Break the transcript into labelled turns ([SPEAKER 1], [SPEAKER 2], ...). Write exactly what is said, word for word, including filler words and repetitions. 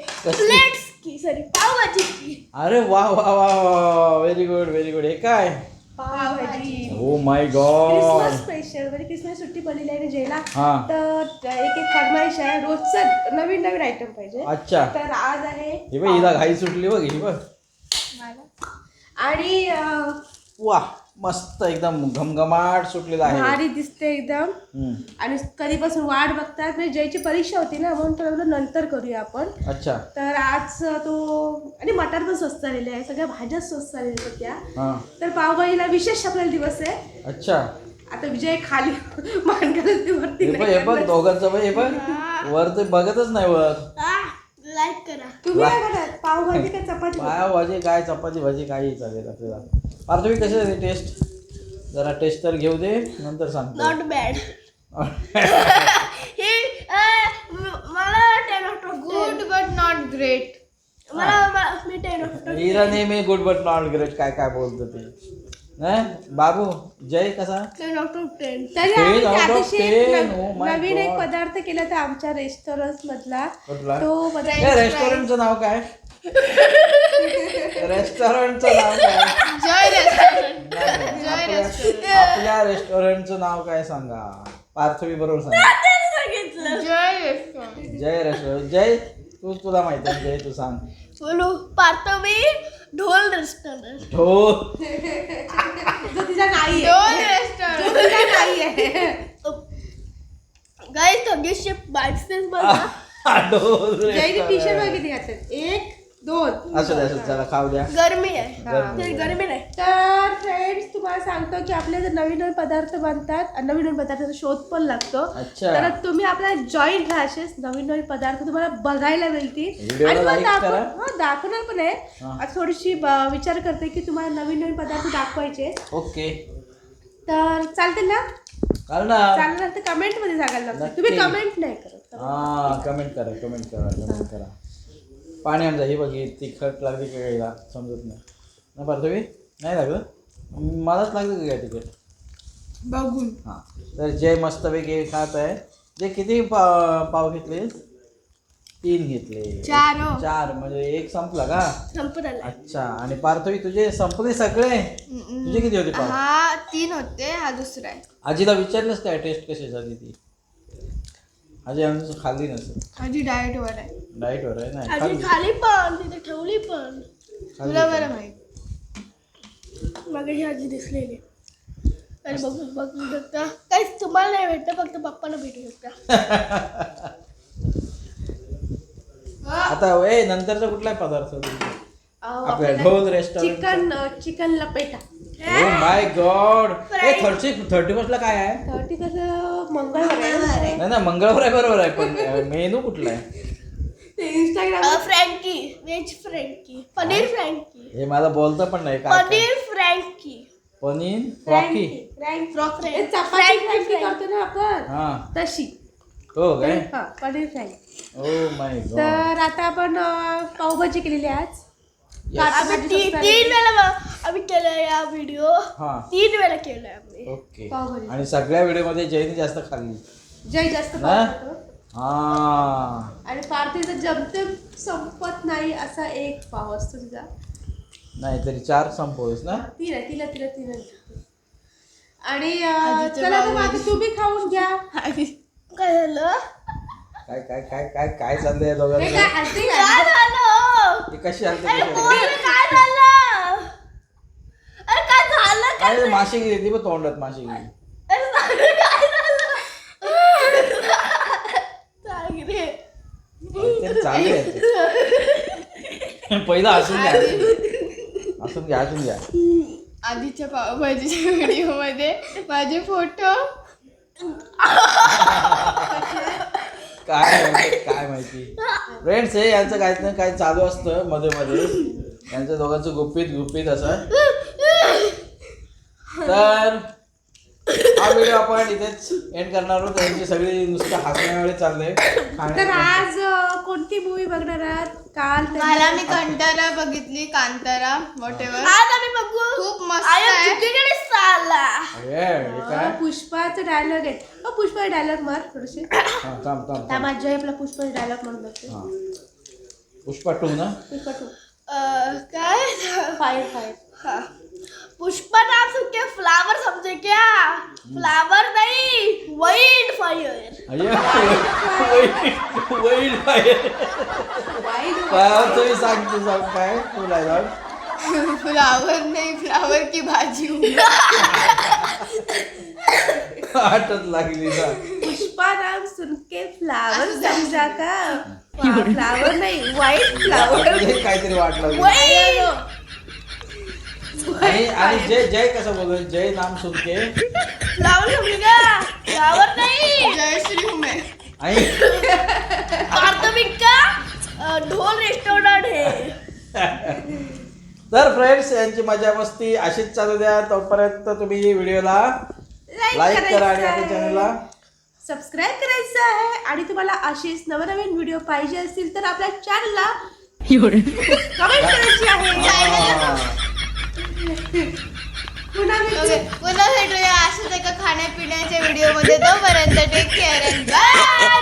[SPEAKER 1] Plates की sorry pav bhaji की.
[SPEAKER 2] अरे वा वा वा वा व्हेरी गुड व्हेरी गुड. हे काय?
[SPEAKER 1] Pav bhaji.
[SPEAKER 2] Oh my God.
[SPEAKER 1] Christmas special म्हणजे क्रिसमस सुट्टी पडलेली आहे ना जेला.
[SPEAKER 2] हा.
[SPEAKER 1] तर एक एक फरमाईश आहे रोजचं नवीन नवीन आयटम पाहिजे.
[SPEAKER 2] अच्छा.
[SPEAKER 1] तर आज आहे
[SPEAKER 2] हे बघ हिला घाई सुटली बघ ही बघ.
[SPEAKER 1] आणि
[SPEAKER 2] वा मस्त एकदम घमघमाट सुटलेला आहे.
[SPEAKER 1] भारी दिसते एकदम.
[SPEAKER 2] हम्म.
[SPEAKER 1] आणि कधीपासून वाट बघतात म्हणजे जयची परीक्षा होती ना म्हणून ठरवलं नंतर करूया आपण.
[SPEAKER 2] अच्छा.
[SPEAKER 1] तर आज तो आणि मटार पण स्वस्त झालेले आहे सगळ्या भाज्या स्वस्त झालेल्या होत्या.
[SPEAKER 2] हा.
[SPEAKER 1] तर पावभाजीला विशेष आपल्याला दिवस आहे.
[SPEAKER 2] अच्छा.
[SPEAKER 1] आता विजय खाली मानकरती वरती
[SPEAKER 2] हे बघ हे बघ दोघांचं बघ हे बघ वर ते बघतच नाही वर.
[SPEAKER 1] लाईक करा. तुम्ही काय करणार पावभाजी का चपाती?
[SPEAKER 2] पाव भाजी काय चपाती भाजी काही चालेल आपल्याला. पार्थवी कशी आहे टेस्ट? जरा टेस्ट तर घेऊ दे नंतर सांगतो.
[SPEAKER 1] Not bad. हे मला ten of good but not great. मला मी टेन ऑफ
[SPEAKER 2] हिरा नेहमी गुड बट नॉट ग्रेट काय काय बोलतो ते. बाबू जय कसा?
[SPEAKER 1] Ten out of ten. नवीन एक पदार्थ केला तर आमच्या रेस्टॉरंट मधला तो पदार्थ.
[SPEAKER 2] रेस्टॉरंटचं नाव काय? रेस्टॉरंटचं नाव काय?
[SPEAKER 1] जय रेस्टॉरंट.
[SPEAKER 2] आपल्या रेस्टॉरंटचं नाव काय सांगा? पार्थवी बरोबर सांगा.
[SPEAKER 1] जय रेस्टॉरंट.
[SPEAKER 2] जय रेस्टॉरंट. जय तू तुला माहिती आहे जय तू सांग.
[SPEAKER 1] बोलू पार्थवी ढोल रेस्टॉरंट.
[SPEAKER 2] ढोल
[SPEAKER 1] जो तिचा नाही आहे. ढोल रेस्टॉरंट जो तिचा नाही आहे. गाइस थोडीशी बाईक्सेस बघा.
[SPEAKER 2] ढोल
[SPEAKER 1] जयची टी शर्ट किती घातले? एक दोन.
[SPEAKER 2] असं द्या जरा खाऊ द्या.
[SPEAKER 1] गरमी आहे. गरमी नाही. तर फ्रेंड्स तुम्हाला सांगतो की आपले जर नवीन नवीन पदार्थ बनतात आणि नवीन नवीन पदार्थाचा शोध पण लागतो. तर तुम्ही आपला जॉईंट राहशेस नवीन नवीन पदार्थ तुम्हाला बघायला मिळतील आणि मग दाखव दाखवणार पण आहे. आता थोडीशी विचार करते की तुम्हाला नवीन नवीन पदार्थ दाखवायचे.
[SPEAKER 2] ओके.
[SPEAKER 1] तर चालते ना?
[SPEAKER 2] चालणार.
[SPEAKER 1] चालणार तर कमेंट मध्ये सांगायला लागतं. तुम्ही कमेंट नाही करत.
[SPEAKER 2] हा कमेंट करा कमेंट करा कमेंट करा. पाणी आमचा ही बघी तिखट लागली का गायला समजत नाही ना. पार्थवी नाही लागलं? मलाच लागलं का काय तिखट
[SPEAKER 1] बघून.
[SPEAKER 2] हां. तर जय मस्तपैकी खात आहे. जे किती पाव पाव घेतले? तीन घेतले.
[SPEAKER 1] चार.
[SPEAKER 2] चार म्हणजे एक संपला का?
[SPEAKER 1] संपला. अच्छा.
[SPEAKER 2] आणि पार्थवी तुझे संपले सगळे? तुझे किती होते पाव?
[SPEAKER 1] हा तीन होते. हा दुसरा आहे.
[SPEAKER 2] आजीला विचारलंस काय टेस्ट कशी झाली ती? आजी आमचं खाल्ली नसेल.
[SPEAKER 1] आजी डाएट वर आहे.
[SPEAKER 2] डाएट वर आहे ना.
[SPEAKER 1] आजी खाली पण तिथे ठेवली पण. तुला बरं माहित. मग ही आजी दिसलेली. अरे बघू बघू शकता. काहीच तुम्हाला नाही भेटतं फक्त पप्पाला भेटू शकता.
[SPEAKER 2] आता ए नंतरचा कुठला पदार्थ आपल्या ढोल रेस्टॉरंट? चिकन
[SPEAKER 1] चिकन लपेटा.
[SPEAKER 2] Oh my God. ए थर्टी थर्टी फर्स्टला काय आहे?
[SPEAKER 1] थर्टी कसं मंगळवार आहे.
[SPEAKER 2] नाही ना मंगळवार आहे बरोबर आहे पण मेनू कुठला आहे?
[SPEAKER 1] ते Instagram frankie veg frankie paneer frankie.
[SPEAKER 2] हे मला बोलतं पण नाही काय.
[SPEAKER 1] पनीर फ्रँकी.
[SPEAKER 2] पनीर फ्रॉकी.
[SPEAKER 1] चपाती फ्रँकी करतो ना आपण.
[SPEAKER 2] हां
[SPEAKER 1] तशी.
[SPEAKER 2] हो काय?
[SPEAKER 1] हां paneer frankie.
[SPEAKER 2] Oh my God.
[SPEAKER 1] तर आता आपण पावभाजी केलेली आज.
[SPEAKER 2] तीन
[SPEAKER 1] वेळा आम्ही केलं या व्हिडिओ.
[SPEAKER 2] हां
[SPEAKER 1] तीन वेळा केलंय आम्ही.
[SPEAKER 2] ओके. आणि सगळ्या व्हिडिओ मध्ये जयने जास्त खाल्ली.
[SPEAKER 1] जय जास्त
[SPEAKER 2] हा.
[SPEAKER 1] आणि पार्थीचं जमते संपत नाही असा एक पाव असतो तिचा.
[SPEAKER 2] नाही तरी चार संपवस ना.
[SPEAKER 1] तीन आहे तिला तिला तीन आहे. आणि चला तर आता तुम्ही खाऊन घ्या. काय झालं?
[SPEAKER 2] काय काय काय काय काय चाललंय दोघांचं?
[SPEAKER 1] काय झालं?
[SPEAKER 2] हे कशी आलते?
[SPEAKER 1] काय झालं? अरे काय झालं?
[SPEAKER 2] काय माशी गेली बघ तोंडात माशी गेली. चालू आहे पहिला हसून घ्या हसून घ्या हसून घ्या.
[SPEAKER 1] आधीच्या पावभाजीच्या व्हिडिओ मध्ये माझे फोटो
[SPEAKER 2] काय माहिती काय माहिती फ्रेंड्स. हे यांचं काहीच नाही काय चालू असतं मध्ये मध्ये यांचं दोघांचं गुपित गुपित असं. तर हा व्हिडिओ आपण इथेच एंड करणार आहोत. त्यांची सगळी नुसतं हसण्यामुळे चाललंय. तर आज कोणती मूवी बघणार आहात? काल
[SPEAKER 1] मला मी कांतारा बघितली. कांतारा वॉटेवर आज आम्ही बघू. खूप मस्त आहे.
[SPEAKER 2] काय
[SPEAKER 1] पुष्पाचा डायलॉग आहे. पुष्पा डायलॉग मार थोडेसे.
[SPEAKER 2] थांब थांब
[SPEAKER 1] माझ्या आपला पुष्पाचा डायलॉग म्हणून बघते.
[SPEAKER 2] पुष्पा टू ना
[SPEAKER 1] पुष्पा टू
[SPEAKER 3] अ, काय
[SPEAKER 1] फायर फायर
[SPEAKER 3] हाँ. पुष्पा नाम सुन के फ्लावर समझे क्या? फ्लावर नहीं, वाइल्ड फायर.
[SPEAKER 2] वैड फायर
[SPEAKER 1] वाईट
[SPEAKER 2] तुम्ही सांग तू सांग काय तुला जाऊन
[SPEAKER 3] फ्लावर नहीं, फ्लावर की भाजी हूँ.
[SPEAKER 2] आठच लागली ना
[SPEAKER 1] पुष्पा नाम सुन के फ्लावर समजा का फ्लावर नाही वाईट फ्लावर
[SPEAKER 2] हे काहीतरी वाट लागली
[SPEAKER 3] वाइल्ड.
[SPEAKER 2] आणि आणि जय जय कसं बोलतो जय नाम सुन के
[SPEAKER 3] फ्लावर समझे क्या? फ्लावर नहीं. जयश्री हूँ मैं.
[SPEAKER 2] आणि
[SPEAKER 3] प्राथमिक का अ, ढोल रेस्टोरेंट है.
[SPEAKER 2] तर फ्रेंड्स यांची मजा मस्ती अशीच चालू द्या तोपर्यंत तुम्ही व्हिडिओला लाईक करा आणि आपल्या चॅनलला
[SPEAKER 1] सबस्क्राईब करायचं आहे आणि तुम्हाला असेच नवनवीन व्हिडिओ पाहिजे असतील तर आपल्या चॅनलला कमेंट करायची आहे पुन्हा भेटू.
[SPEAKER 3] ओके, पुन्हा भेटूया असंच एका खाण्यापिण्याच्या व्हिडिओ मध्ये. तोपर्यंत टेक केअर. बाय.